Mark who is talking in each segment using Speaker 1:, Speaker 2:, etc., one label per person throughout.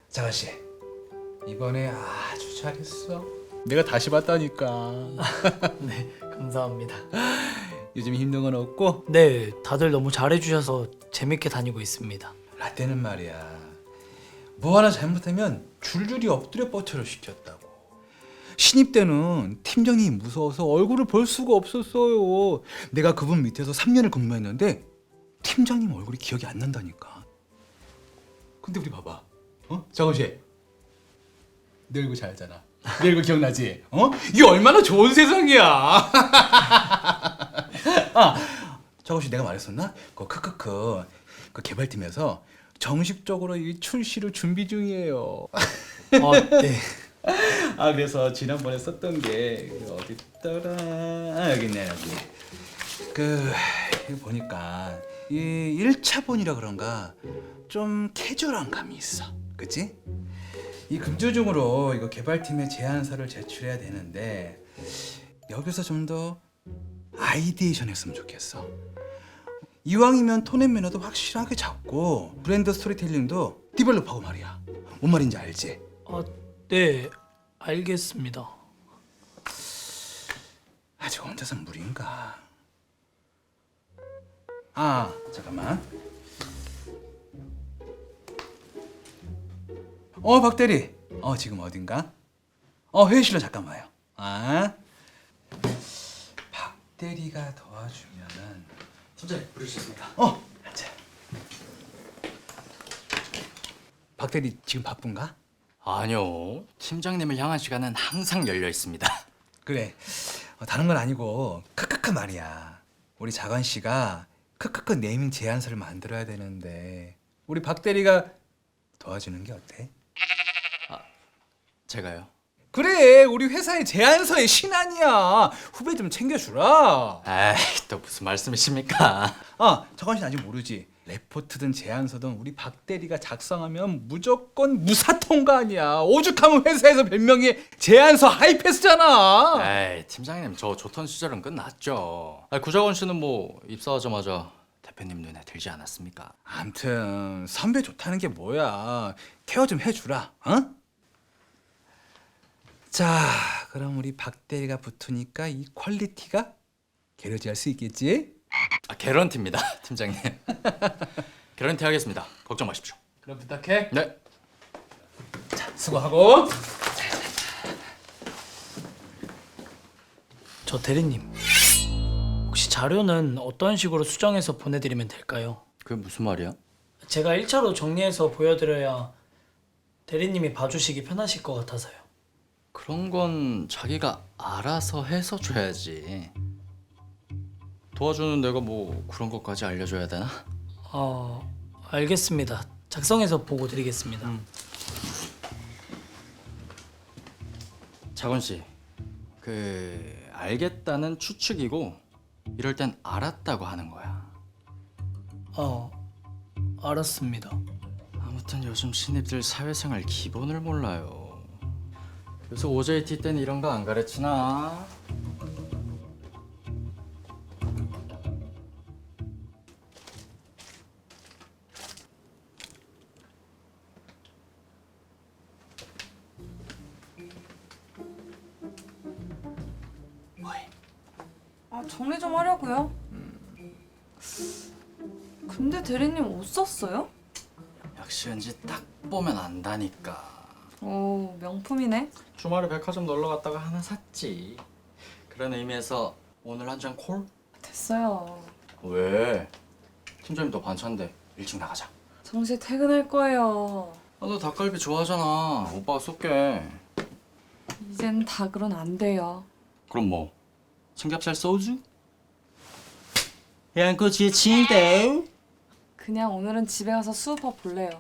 Speaker 1: 자가씨, 이번에 아주 잘했어. 내가 다시 봤다니까.
Speaker 2: 네, 감사합니다.
Speaker 1: 요즘 힘든 건 없고?
Speaker 2: 네, 다들 너무 잘해주셔서 재밌게 다니고 있습니다.
Speaker 1: 라떼는 말이야, 뭐 하나 잘못하면 줄줄이 엎드려 뻗쳐를 시켰다고. 신입 때는 팀장님이 무서워서 얼굴을 볼 수가 없었어요. 내가 그분 밑에서 3년을 근무했는데 팀장님 얼굴이 기억이 안 난다니까. 근데 우리 봐봐, 정우씨, 내 얼굴 잘 알잖아. 내 얼굴 기억나지? 이게 얼마나 좋은 세상이야. 정우씨, 내가 말했었나? 크크크, 그 개발팀에서 정식적으로 이 출시를 준비 중이에요.
Speaker 2: 네.
Speaker 1: 그래서 지난번에 썼던 게 어디 있더라? 여기 있네, 여기. 이거 보니까 이 1차본이라 그런가 좀 캐주얼한 감이 있어. 그치? 이 금주중으로 이거 개발팀에 제안서를 제출해야 되는데 여기서 좀 더 아이디에이션 했으면 좋겠어. 이왕이면 톤 앤 매너도 확실하게 잡고 브랜드 스토리텔링도 디벨롭하고 말이야. 뭔 말인지 알지?
Speaker 2: 네, 알겠습니다.
Speaker 1: 아직 혼자서 무리인가? 잠깐만. 박대리. 지금 어딘가? 회의실로 잠깐 와요. 박대리가 도와주면은.
Speaker 2: 팀장님, 부르셨습니다.
Speaker 1: 앉아. 박대리 지금 바쁜가?
Speaker 3: 아니요. 팀장님을 향한 시간은 항상 열려 있습니다.
Speaker 1: 그래. 다른 건 아니고 크크크 말이야. 우리 자관 씨가 크크크 네이밍 제안서를 만들어야 되는데 우리 박 대리가 도와주는 게 어때?
Speaker 3: 제가요?
Speaker 1: 그래, 우리 회사의 제안서의 신안이야. 후배 좀 챙겨주라.
Speaker 3: 에이, 또 무슨 말씀이십니까?
Speaker 1: 자관 씨는 아직 모르지. 레포트든 제안서든 우리 박 대리가 작성하면 무조건 무사 통과 아니야. 오죽하면 회사에서 별명이 제안서 하이패스잖아.
Speaker 3: 에이, 팀장님 저 좋던 시절은 끝났죠. 구자원 씨는 뭐 입사하자마자 대표님 눈에 들지 않았습니까?
Speaker 1: 암튼 선배 좋다는 게 뭐야. 케어 좀 해주라. 자, 그럼 우리 박 대리가 붙으니까 이 퀄리티가 게러지할 수 있겠지?
Speaker 3: 개런티입니다, 팀장님. 개런티 하겠습니다. 걱정 마십시오.
Speaker 1: 그럼 부탁해.
Speaker 3: 네.
Speaker 1: 수고하고.
Speaker 2: 저 대리님, 혹시 자료는 어떤 식으로 수정해서 보내드리면 될까요?
Speaker 3: 그게 무슨 말이야?
Speaker 2: 제가 1차로 정리해서 보여드려야 대리님이 봐주시기 편하실 것 같아서요.
Speaker 3: 그런 건 자기가 알아서 해서 줘야지. 도와주는 내가 뭐 그런 것까지 알려줘야 되나?
Speaker 2: 알겠습니다. 작성해서 보고 드리겠습니다.
Speaker 3: 자건 씨, 알겠다는 추측이고 이럴 땐 알았다고 하는 거야.
Speaker 2: 알았습니다.
Speaker 3: 아무튼 요즘 신입들 사회생활 기본을 몰라요. 요새 OJT 때는 이런 거 안 가르치나?
Speaker 4: 정리 좀 하려고요. 근데 대리님 옷 샀어요?
Speaker 3: 역시 왠지 딱 보면 안다니까.
Speaker 4: 오, 명품이네.
Speaker 3: 주말에 백화점 놀러 갔다가 하나 샀지. 그런 의미에서 오늘 한 잔 콜?
Speaker 4: 됐어요.
Speaker 3: 왜? 팀장님 너 반찬데 일찍 나가자.
Speaker 4: 정시 퇴근할 거예요.
Speaker 3: 너 닭갈비 좋아하잖아. 오빠가 쏠게.
Speaker 4: 이젠 닭으론 안 돼요.
Speaker 3: 그럼 뭐? 삼겹살 소주? 양꼬치에 침대?
Speaker 4: 그냥 오늘은 집에 가서 수우파 볼래요.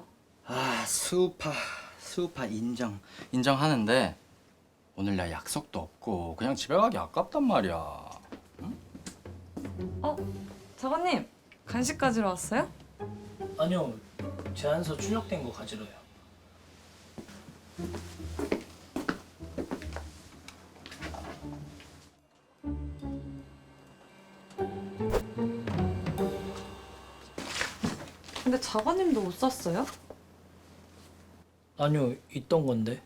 Speaker 3: 수우파 인정하는데 오늘 나 약속도 없고 그냥 집에 가기 아깝단 말이야.
Speaker 4: 작가님, 간식 가지러 왔어요?
Speaker 2: 아니요, 제안서 출력된 거 가지러요.
Speaker 4: 근데 작가님도 옷 샀어요?
Speaker 2: 아니요, 있던 건데.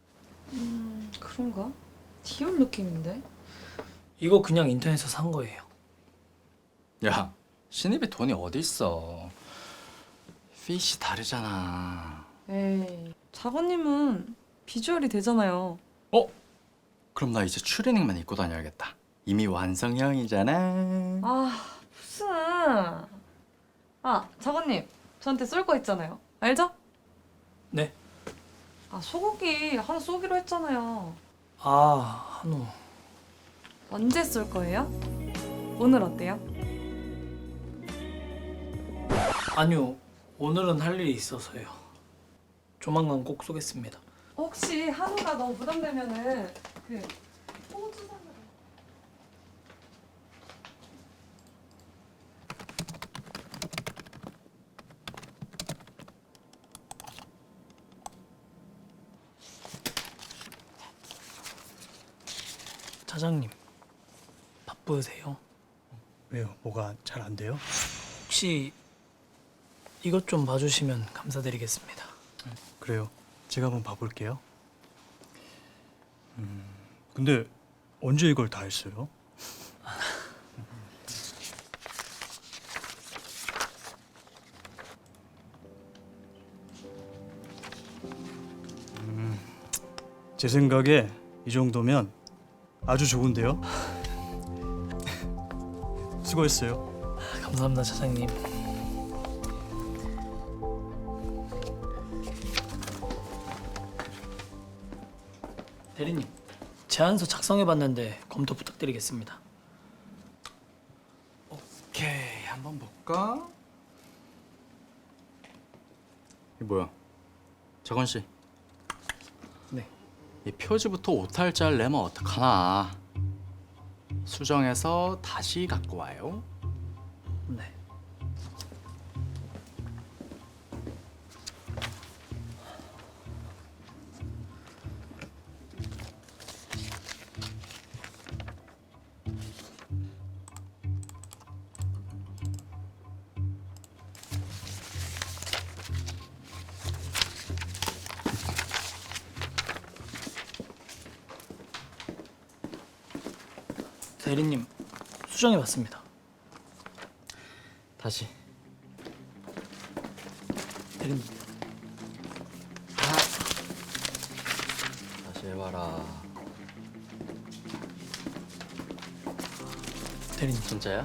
Speaker 4: 그런가? 디올 느낌인데?
Speaker 2: 이거 그냥 인터넷에서 산 거예요.
Speaker 3: 야, 신입이 돈이 어디 있어? 핏이 다르잖아.
Speaker 4: 에이, 작가님은 비주얼이 되잖아요.
Speaker 3: 어? 그럼 나 이제 추리닝만 입고 다녀야겠다. 이미 완성형이잖아.
Speaker 4: 아, 무슨. 아, 작가님, 저한테 쏠 거 있잖아요. 알죠?
Speaker 2: 네.
Speaker 4: 아, 소고기 하나 쏘기로 했잖아요.
Speaker 2: 아, 한우.
Speaker 4: 언제 쏠 거예요? 오늘 어때요?
Speaker 2: 아니요, 오늘은 할 일이 있어서요. 조만간 꼭 쏘겠습니다.
Speaker 4: 혹시 한우가 너무 부담되면은 그 호주 산으로.
Speaker 2: 차장님, 바쁘세요?
Speaker 5: 왜요? 뭐가 잘 안 돼요?
Speaker 2: 혹시 이것 좀 봐주시면 감사드리겠습니다.
Speaker 5: 그래요. 제가 한번 봐볼게요. 근데 언제 이걸 다 했어요? 제 생각에 이 정도면 아주 좋은데요. 수고했어요.
Speaker 2: 감사합니다, 차장님. 대리님, 제안서 작성해봤는데 검토 부탁드리겠습니다.
Speaker 3: 오케이, 한번 볼까? 이 뭐야? 재건 씨,
Speaker 2: 네.
Speaker 3: 이 표지부터 오탈자를 내면 어떡하나? 수정해서 다시 갖고 와요.
Speaker 2: 네. 대리님, 수정해봤습니다.
Speaker 3: 다시.
Speaker 2: 대리님,
Speaker 3: 다시 해봐라.
Speaker 2: 대리님.
Speaker 3: 진짜야?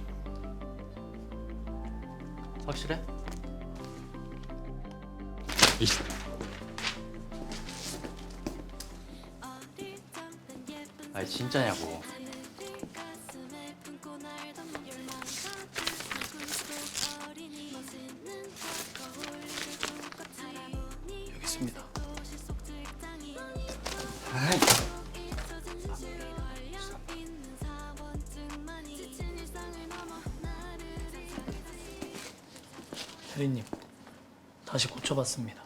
Speaker 3: 확실해? 이 아니 진짜냐고.
Speaker 2: 여기 있습니다.
Speaker 3: 아이.
Speaker 2: 대리님, 다시 고쳐봤습니다.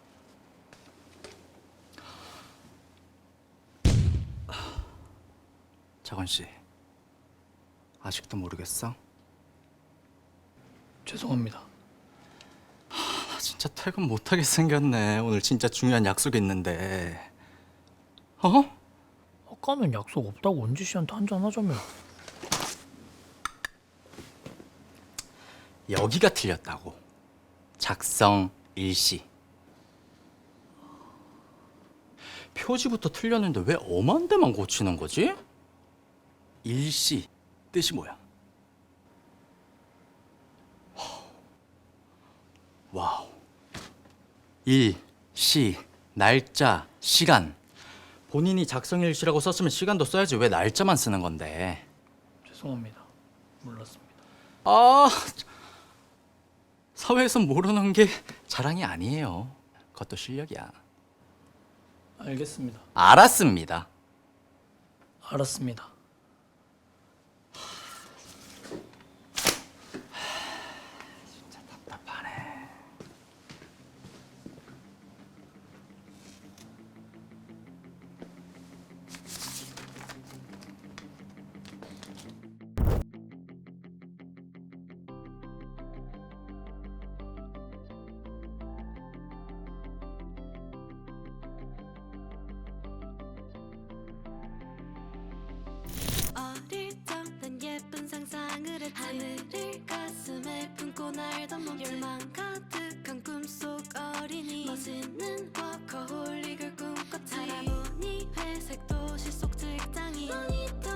Speaker 3: 자건 씨, 아직도 모르겠어?
Speaker 2: 죄송합니다.
Speaker 3: 나 진짜 퇴근 못하게 생겼네. 오늘 진짜 중요한 약속 있는데. 어?
Speaker 2: 아까는 약속 없다고 은지 씨한테 한잔 하자며.
Speaker 3: 여기가 틀렸다고. 작성 일시. 표지부터 틀렸는데 왜 엄한 데만 고치는 거지? 일시 뜻이 뭐야? 와우. 일, 시, 날짜, 시간. 본인이 작성 일시라고 썼으면 시간도 써야지 왜 날짜만 쓰는 건데?
Speaker 2: 죄송합니다. 몰랐습니다.
Speaker 3: 아, 사회에선 모르는 게 자랑이 아니에요. 그것도 실력이야.
Speaker 2: 알겠습니다.
Speaker 3: 알았습니다.
Speaker 2: 알았습니다.
Speaker 3: 답답하네.
Speaker 6: 열망 가득한 꿈속 어린이 멋있는 워커홀릭을 꿈꿨지 살아보니 회색 도시 속 직장인 모니터